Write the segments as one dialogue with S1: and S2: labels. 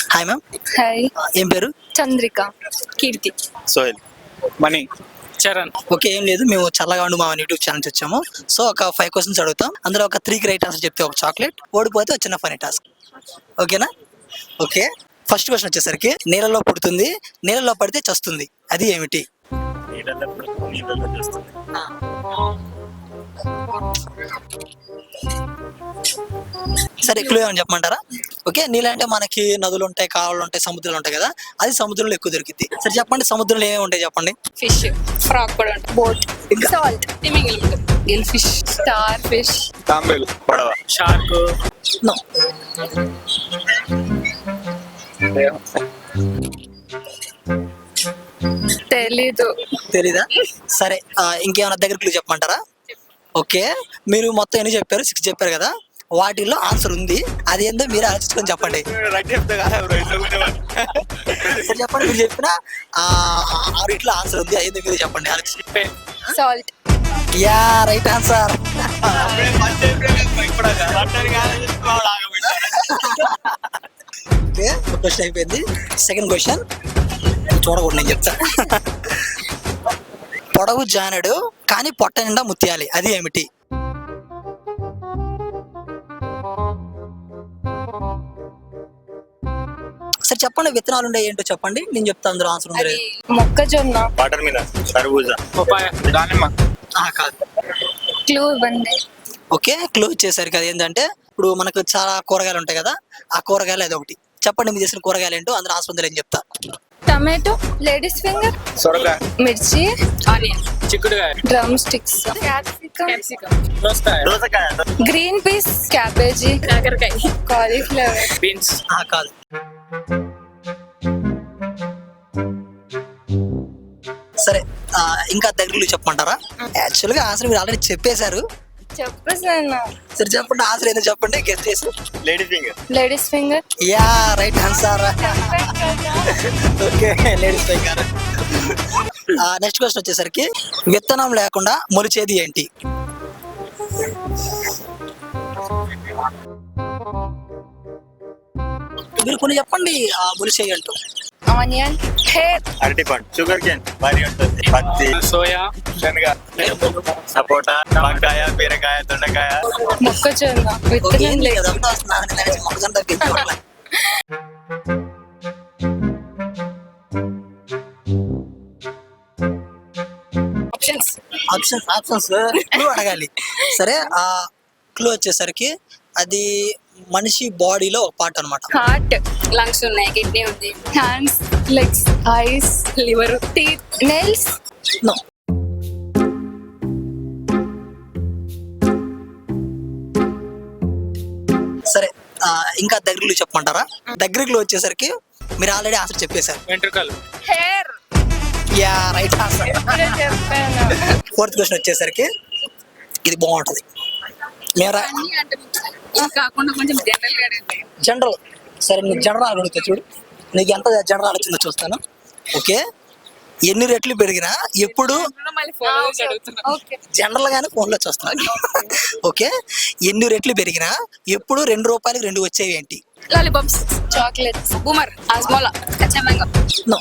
S1: Hi ma'am.
S2: Hi.
S1: ఏం పేరు?
S2: Chandrika. Keerthi.
S3: Sohel.
S4: Mani. Charan.
S1: Okay, ఏం లేదు, మేము చల్లగా ఉండు మా యూట్యూబ్ ఛానల్ వచ్చాము. సో ఒక 5 క్వశ్చన్స్ అడుగుతాం, అందులో ఒక 3 రైట్ ఆన్సర్ చెప్తే ఒక చాక్లెట్, ఓడిపోతే ఒక చిన్న ఫనీ టాస్క్. ఓకేనా? ఓకే. ఫస్ట్ క్వశ్చన్ వచ్చేసరికి, నీళ్ళలో పుడుతుంది, నీళ్ళలో పడితే చస్తుంది, అది ఏమిటి?
S3: నీళ్ళలో చేస్తుంది.
S1: సరే, క్లూ ఏమని చెప్పమంటారా? ఓకే, నీళ్ళు అంటే మనకి నదులు ఉంటాయి, కాలువలు ఉంటాయి, సముద్రాలు ఉంటాయి కదా, అది సముద్రంలో ఎక్కువ దొరికింది. సరే చెప్పండి, సముద్రంలో ఏమేమి ఉంటాయి చెప్పండి.
S2: ఫిష్, ఫ్రాక్ కూడా ఉంటుంది, boat, salt, gill fish, star fish,
S4: తాంబేలు.
S3: పడవ.
S4: షార్క్.
S1: నో. తెలీదా? సరే, ఇంకేమైనా దగ్గర క్లూ చెప్పమంటారా? ఓకే, మీరు మొత్తం ఎన్ని చెప్పారు? 6 చెప్పారు కదా, వాటిల్లో ఆన్సర్ ఉంది, అది ఏందో మీరు ఆలోచించుకొని చెప్పండి. సరే చెప్పండి, మీరు చెప్పిన 6 ఆన్సర్ ఉంది, అదేందో మీరు చెప్పండి ఆలోచించి.
S2: Salt.
S1: Yeah, right answer. Okay, question అయిపోయింది. సెకండ్ క్వశ్చన్ చూడకూడదు, నేను చెప్తా. పొడవు జానడు కానీ పొట్ట నిండా ముత్యాలి, అది ఏమిటి? సరే చెప్పండి, విత్తనాలు ఉండే ఏంటో చెప్పండి, నేను చెప్తాను అందులో ఆన్సర్ ఉంది.
S2: మొక్కజొన్న.
S3: Water melon. కర్బూజా.
S4: పపాయ. దానిమ్మ.
S1: కాదు.
S2: క్లూ ఇవ్వండి.
S1: ఓకే, క్లూ వచ్చేసరికి అది ఏంటంటే, ఇప్పుడు మనకు చాలా కూరగాయలు ఉంటాయి కదా, ఆ కూరగాయలు అది ఒకటి. చెప్పండి మీరు చేసిన కూరగాయలు ఏంటో, అందులో ఆన్సర్ ఉంది అని చెప్తా.
S2: టమాటో, లేడీస్ ఫింగర్,
S4: సొరకాయ.
S2: మిర్చి, ఆనియన్,
S4: చిక్కుడుకాయ.
S2: డ్రమ్ స్టిక్స్, క్యాప్సికమ్,
S4: దోసకాయ.
S3: దోసకాయ.
S2: గ్రీన్ పీస్, క్యాబేజీ, కాకరకాయ, కాలీఫ్లవర్,
S4: బీన్స్.
S1: కాదు. సరే, ఇంకా దగ్గరలు చెప్పమంటారా? యాక్చువల్ గా ఆన్సర్ మీరు ఆల్రెడీ చెప్పేశారు.
S2: చెప్పేసాను.
S1: సరే చెప్పండి, ఆన్సర్ ఏదో చెప్పండి, గెస్ చేసి.
S3: Ladies finger.
S2: Ladies finger.
S1: Yeah, right answer. Okay, ladies finger. Next question వచ్చేసరికి, విత్తనం లేకుండా మొలిచేది ఏంటి? మీరు కొన్ని చెప్పండి, మొలిచేయి అంటూ.
S2: ఆనియన్, హెయిర్,
S3: అరటిపండు. Sugar cane. వరి ఉంటుంది. పత్తి.
S4: సోయా. శనగ.
S3: సపోటా. వంకాయ, బీరకాయ, దొండకాయ.
S2: మొక్కజొన్న.
S1: ఓకే,
S2: విత్తనం లేదు.
S1: అదంతా వస్తున్నా, నేను మొక్కజొన్న తగ్గించుకోవాలి. ఆప్షన్స్ క్లూ అడగాలి. సరే, ఆ క్లూ వచ్చేసరికి అది మనిషి బాడీలో ఒక పార్ట్ అన్నమాట.
S2: హార్ట్, లంగ్స్ ఉన్నాయి, కిడ్నీ ఉంది, hands, legs, eyes, liver, teeth, nails.
S1: No. సరే, ఇంకా దగ్గరలు చెప్పమంటారా? దగ్గరలు వచ్చేసరికి మీరు ఆల్రెడీ ఆన్సర్ చెప్పేశారు.
S4: వెంట్రుకలు.
S2: హెయిర్.
S1: Yeah, right answer.
S2: చెప్పాను.
S1: ఫోర్త్ క్వశ్చన్ వచ్చేసరికి, ఇది బాగుంటది.
S2: కాకుండా కొంచెం
S1: జనరల్. సరే, నీకు జనరల్ అడుగుతా చూడు, నీకు ఎంత జనరల్ వచ్చిందో చూస్తాను. ఓకే, ఎన్ని రెట్లు పెరిగినా ఎప్పుడు జనరల్ గానే ఫోన్ లో చూస్తాను. ఓకే, ఎన్ని రెట్లు పెరిగినా ఎప్పుడు 2 రూపాయలకి 2 వచ్చేవి ఏంటి?
S2: లాలీపాప్స్, చాక్లెట్స్, బూమర్, ఆస్మోలా, కచ్చా మ్యాంగో.
S1: నో.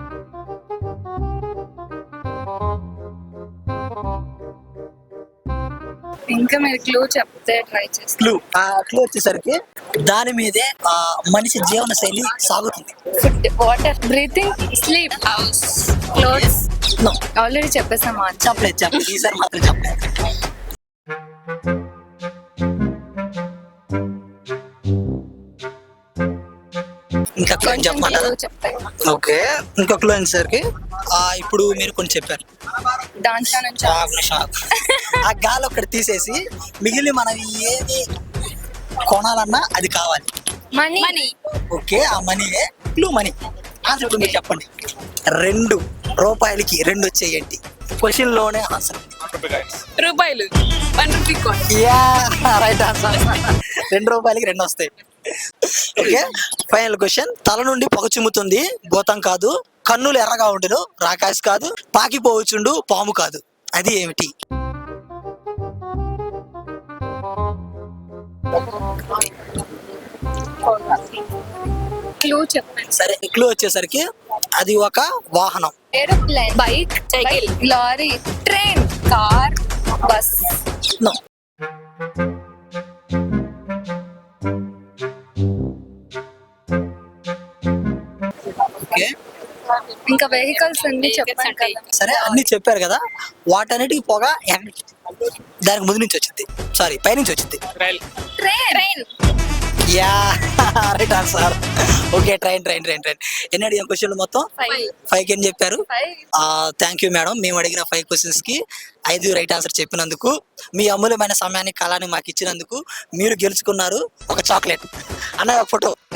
S2: ఇంకా మీరు క్లూ చెప్తే ట్రై చేస్తాను.
S1: క్లూ వచ్చేసరికి, దాని మీదే మనిషి జీవన శైలి సాగుతుంది.
S2: Food, water, breathing, sleep, house, clothes.
S1: No.
S2: Already చెప్పేసామా?
S1: చెప్పలేదు, ఈసారి మాత్రం చెప్పలేదు. ఇంకా చెప్పమంటారా? ఓకే, ఇంకా క్లూ వచ్చేసరికి, ఇప్పుడు మీరు కొన్ని చెప్పారు,
S2: దాంట్లో నుంచి
S1: ఆ గాలి ఒక్కటి తీసేసి మిగిలిన మనం ఏది కొనాలన్నా అది కావాలి.
S2: మనీ.
S1: ఓకే, ఆ మనీయే క్లూ. మనీ ఆన్సర్ ఇప్పుడు మీరు చెప్పండి. 2 రూపాయలకి 2 వచ్చేయండి. క్వశ్చన్ లోనే ఆన్సర్.
S2: రూపాయలు. 1 rupee coin.
S1: Yeah, right answer. 2 రూపాయలకి 2 వస్తాయి. Okay, final question. తల నుండి పొగ చిమ్ముతుంది, భూతం కాదు, కన్నులు ఎర్రగా ఉండును, రాకాసి కాదు, పాకిపోవచ్చుండు, పాము కాదు, అది ఏమిటి?
S2: క్లూ చెప్పండి.
S1: సరే క్లూ వచ్చేసరికి అది ఒక వాహనం.
S2: Aeroplane, bike, cycle, lorry, train, car, bus.
S1: No. Okay
S2: ఇంకా వెహికల్స్ అన్ని చెప్పండి కదా.
S1: సరే అన్ని చెప్పారు కదా, వాటన్నిటికి పొగ దానికి ముందు నుంచి వచ్చింది, సారీ పై నుంచి వచ్చింది.
S4: Rail.
S2: Train.
S1: Yeah right answer. Okay train train train train. ఎన్ని అడిగిన క్వశ్చన్లు మొత్తం? 5 అని చెప్పారు. థ్యాంక్ యూ మేడం, మేము అడిగిన 5 క్వశ్చన్స్ కి 5 రైట్ ఆన్సర్ చెప్పినందుకు, మీ అమూల్యమైన సమయాన్ని కాలాన్ని మాకు ఇచ్చినందుకు మీరు గెలుచుకున్నారు ఒక చాక్లెట్. అన్న ఒక ఫోటో.